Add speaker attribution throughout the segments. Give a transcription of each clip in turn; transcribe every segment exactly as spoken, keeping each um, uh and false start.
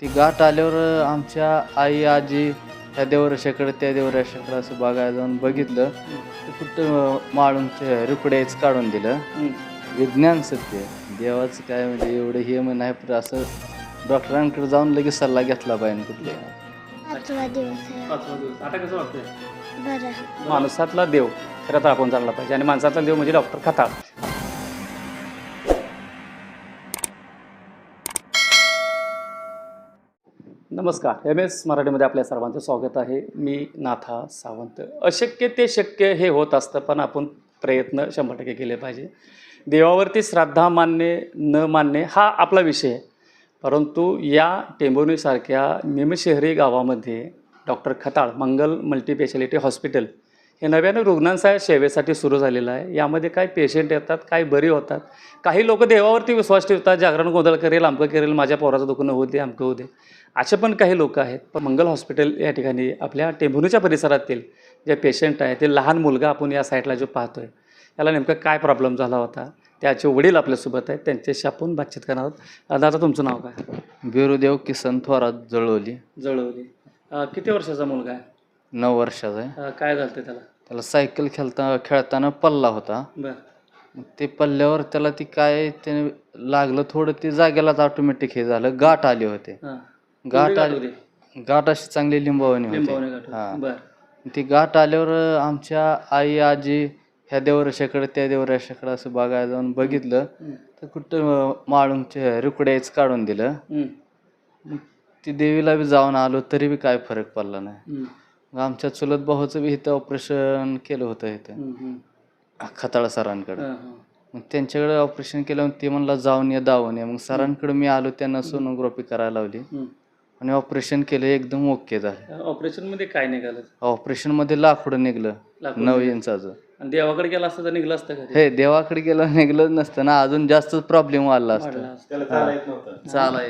Speaker 1: ती गाठ आल्यावर आमच्या आई आजी ह्या देवराशाकडे त्या देवराशाकडे असं बघायला जाऊन बघितलं तर कुठं माळूंचे रुपड्याच काढून दिलं. विज्ञान सत्य देवाचं काय म्हणजे एवढं हे म्हण आहे, पण असं डॉक्टरांकडे जाऊन लगेच सल्ला घेतला पाहिजे कुठले.
Speaker 2: पाचवा दिवस आहे.
Speaker 3: पाचवा दिवस. आता कसं वाटतंय?
Speaker 2: बरं.
Speaker 3: माणसातला देव खरं तर आपण जाणला पाहिजे आणि माणसातला देव म्हणजे डॉक्टर खताळ. नमस्कार, एम एस मराठीमध्ये आपल्या सर्वांचं स्वागत आहे. मी नाथा सावंत. अशक्य ते शक्य हे होत असतं, पण आपण प्रयत्न शंभर टक्के केले पाहिजे. देवावरती श्रद्धा मानणे न मानणे हा आपला विषय आहे, परंतु या टेंभुर्णीसारख्या निमशहरी गावामध्ये doctor Khatal Mangal multispeciality hospital हे नव्यानं रुग्णांच्या सेवेसाठी सुरू झालेलं आहे. यामध्ये काही पेशंट येतात, काही बरी होतात, काही लोक देवावरती विश्वास ठेवतात, जागरण गोंधळ करेल, अमकं करेल, माझ्या पोराचं दुखणं होऊ दे, अमकं होऊ दे, असे पण काही लोक आहेत. पण मंगल हॉस्पिटल या ठिकाणी आपल्या टेंभुर्णीच्या परिसरातील जे पेशंट आहे ते लहान मुलगा आपण या साईडला जो पाहतो आहे, याला नेमका काय प्रॉब्लेम झाला होता, त्याचे वडील आपल्यासोबत आहेत, त्यांच्याशी आपण बातचीत करणार आहोत. दादा, तुमचं नाव काय?
Speaker 1: बिरुदेव किसन थोरात जळवली.
Speaker 3: जळवली. किती वर्षाचा मुलगा आहे?
Speaker 1: नऊ वर्षाचा आहे.
Speaker 3: अं, काय झालं त्याला?
Speaker 1: त्याला सायकल खेळता खेळताना पल्ला होता.
Speaker 3: बरं.
Speaker 1: मग ते पल्ल्यावर त्याला ती काय ते लागलं थोडं, ते जागेलाच ऑटोमॅटिक हे झालं. गाठ आले होते.
Speaker 3: हां.
Speaker 1: गाठ आली, गाठ अशी चांगली लिंबावणी
Speaker 3: लिंबावणे
Speaker 1: होती.
Speaker 3: गाठ.
Speaker 1: हां.
Speaker 3: बरं.
Speaker 1: ती गाठ आल्यावर आमच्या आई आजी ह्या देवराशाकडे त्या देवराशाकडे असं बघायला जाऊन बघितलं तर कुठं माळूंचे रुपड्याच काढून दिलं.
Speaker 3: हं.
Speaker 1: मग ती देवीला बी जाऊन आलो तरी बी काय फरक पडला नाही.
Speaker 3: हं.
Speaker 1: मग आमच्या चुलत भाऊचं बी इथं ऑपरेशन केलं होतं इथं
Speaker 3: हं. हं.
Speaker 1: खताळ सरांकडे.
Speaker 3: हां, हां.
Speaker 1: मग त्यांच्याकडे ऑपरेशन केलं, ते म्हणला जाऊन या दावून या. मग सरांकडे मी आलो, त्यांना सोनोग्राफी करायला लावली
Speaker 3: हं.
Speaker 1: आणि ऑपरेशन केलं, एकदम ओके झालं.
Speaker 3: ऑपरेशनमध्ये काय निघालं?
Speaker 1: ऑपरेशनमध्ये लाकूड निघलं
Speaker 3: लाकूड
Speaker 1: नऊ
Speaker 3: निघालं.
Speaker 1: इंचाचं.
Speaker 3: आणि देवाकडे गेला असतं तर निघलं असतं का?
Speaker 1: हे देवाकडे गेलं निघलं नसतं ना, अजून जास्त प्रॉब्लेम वाढला असता.
Speaker 3: वाढलं असतं.
Speaker 1: चालाय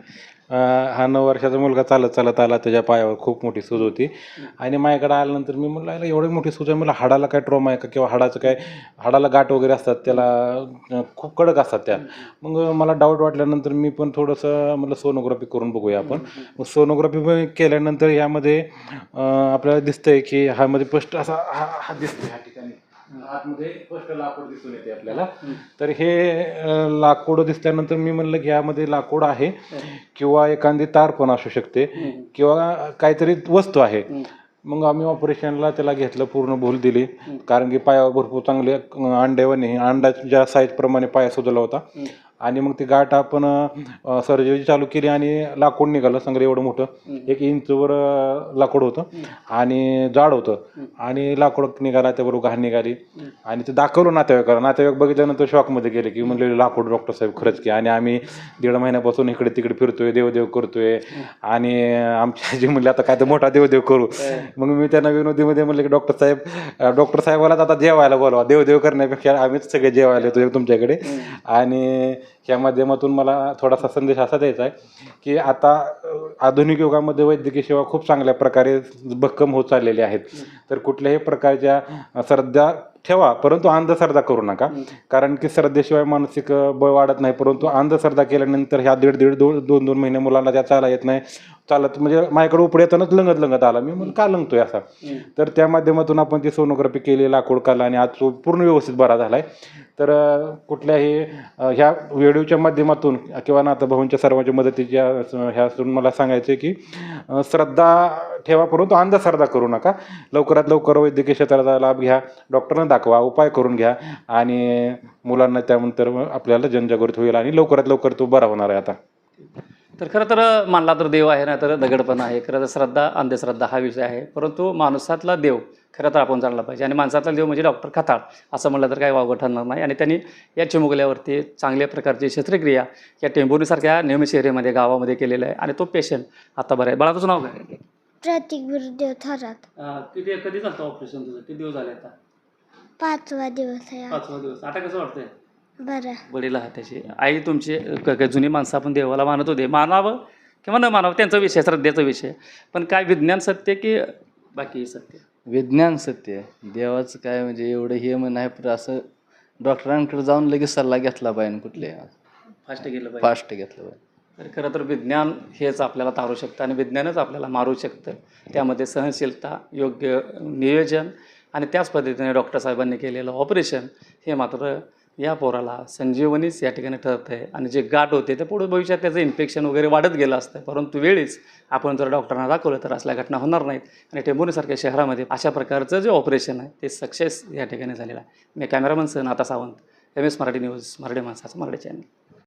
Speaker 4: अं, हा नऊ वर्षाचा मुलगा चालत चालत आला, त्याच्या पायावर खूप मोठी सूज होती आणि माझ्याकडे आल्यानंतर मी म्हणलं याला एवढी मोठी सूज आहे, मला हाडाला काय ट्रॉमा आहे का किंवा हाडाचं काय, हाडाला गाठ वगैरे असतात त्याला, अं, खूप कडक असतात त्या. मग मला डाऊट वाटल्यानंतर मी पण थोडंसं म्हटलं सोनोग्राफी करून बघूया आपण. मग सोनोग्राफी केल्यानंतर यामध्ये अं, आपल्याला दिसतंय की ह्यामध्ये स्पष्ट असा हा हा दिसतोय, ह्या ठिकाणी आतमध्ये स्पष्ट लाकूड दिसून येते आपल्याला. तर हे अं, लाकूड दिसल्यानंतर मी म्हणलं की यामध्ये लाकूड आहे किंवा एखादी तार पण असू शकते किंवा काहीतरी वस्तू आहे. मग आम्ही ऑपरेशनला त्याला घेतलं, पूर्ण भूल दिली, कारण की पायावर भरपूर चांगले अंड्यावाने अंड्याच्या साईजप्रमाणे पाया सुजला होता. आणि मग ती गाठ आपण सर्जरी चालू केली आणि लाकूड निघालं सगळं एवढं मोठं, एक इंचवर लाकूड होतं आणि जाड होतं आणि लाकूड निघाला, त्याबरोबर घाण निघाली आणि ते दाखवलं नातेवाईकाला. नातेवाईक बघितल्यानंतर शॉकमध्ये गेले की म्हणले लाकूड डॉक्टर साहेब खरंच की. आणि आम्ही दीड महिन्यापासून इकडे तिकडे फिरतोय, देवदेव करतोय आणि आमची आजी म्हणली आता काय तर मोठा देवदेव करू. मग मी त्यांना विनोदीमध्ये म्हणलं की डॉक्टर साहेब डॉक्टर साहेबाला आता जेवायला बोलवा, देवदेव करण्यापेक्षा आम्हीच सगळे जेवायला येतो तुमच्याकडे. आणि या माध्यमातून मला थोडासा संदेश असा द्यायचा आहे की आता आधुनिक युगामध्ये वैद्यकीय सेवा खूप चांगल्या प्रकारे भक्कम होत चाललेल्या आहेत. तर कुठल्याही प्रकारच्या श्रद्धा ठेवा, परंतु अंधश्रद्धा करू नका, कारण की श्रद्धेशिवाय मानसिक बळ वाढत नाही. परंतु अंधश्रद्धा केल्यानंतर ह्या दीड दीड दोन दोन दोन महिने मुलांना त्या चाला येत नाही, चालत म्हणजे माझ्याकडे उपडे येतानाच लंगत लंगत आला. मी म्हणून का लंगतोय असा. तर त्या माध्यमातून आपण ती सोनोग्राफी केली, लाकूड काढला आणि आज तो पूर्ण व्यवस्थित बरा झाला आहे. तर कुठल्याही ह्या व्हिडिओच्या माध्यमातून किंवा नाताभाऊंच्या सर्वांच्या मदतीच्या ह्यातून मला सांगायचं आहे की श्रद्धा ठेवा, परंतु अंधश्रद्धा करू नका. लवकरात लवकर वैद्यकीय क्षेत्राचा लाभ घ्या, डॉक्टरांना दाखवा, उपाय करून घ्या आणि मुलांना त्यानंतर आपल्याला जनजागृती होईल आणि लवकरात लवकर तो बरा होणार आहे. आता
Speaker 3: तर खरं तर मानला तर देव आहे ना, तर दगडपणा आहे. खरं तर श्रद्धा अंधश्रद्धा हा विषय आहे, परंतु माणसातला देव खरं तर आपण जाणला पाहिजे आणि माणसातला देव म्हणजे डॉक्टर खताळ असं म्हणलं तर काही वावगं ठरणार नाही. आणि त्यांनी या चिमुकल्यावरती चांगल्या प्रकारची शस्त्रक्रिया या टेंभुर्णीसारख्या नियमित शहरीमध्ये गावामध्ये केलेलं आहे आणि तो पेशंट आता बरं आहे. बाळा, तुझं नाव काय?
Speaker 2: प्रतीक बिरुदेव थोरात.
Speaker 3: किती कधी झालं ऑपरेशन तुझं? किती दिवस झाले आता?
Speaker 2: पाचवा दिवस आहे.
Speaker 3: पाचवा दिवस. आता कसं वाटतंय?
Speaker 2: बरं.
Speaker 3: वडील आहात त्याची, आई तुमची, क- क- जुनी माणसं आपण देवाला मानत होते, मानावं किंवा न मानावं त्यांचा विषय, श्रद्धेचा विषय, पण काय विज्ञान सत्य की बाकी सत्य?
Speaker 1: विज्ञान सत्य देवाचं काय म्हणजे एवढं हे म्हण आहे, पण असं डॉक्टरांकडे जाऊन लगेच सल्ला घेतला पाहिजे कुठले.
Speaker 3: फास्ट गेलं पाहिजे.
Speaker 1: फास्ट घेतलं पाहिजे.
Speaker 3: तर खरं तर विज्ञान हेच आपल्याला तारू शकतं आणि विज्ञानच आपल्याला मारू शकतं. त्यामध्ये सहनशीलता, योग्य नियोजन आणि त्याच पद्धतीने डॉक्टर साहेबांनी केलेलं ऑपरेशन हे मात्र या पोराला संजीवनीच या ठिकाणी ठरत आहे. आणि जे गाठ होते ते पुढे भविष्यात त्याचं इन्फेक्शन वगैरे वाढत गेलं असतं, परंतु वेळीच आपण जर डॉक्टरांना दाखवलं तर असल्या घटना होणार नाहीत. आणि टेंभुर्णीसारख्या शहरामध्ये अशा प्रकारचं जे ऑपरेशन आहे ते सक्सेस या ठिकाणी झालेलं आहे. मी कॅमेरामन सह Natha Sawant, M S Marathi news, Marathi माणसाचं मराठी चॅनल.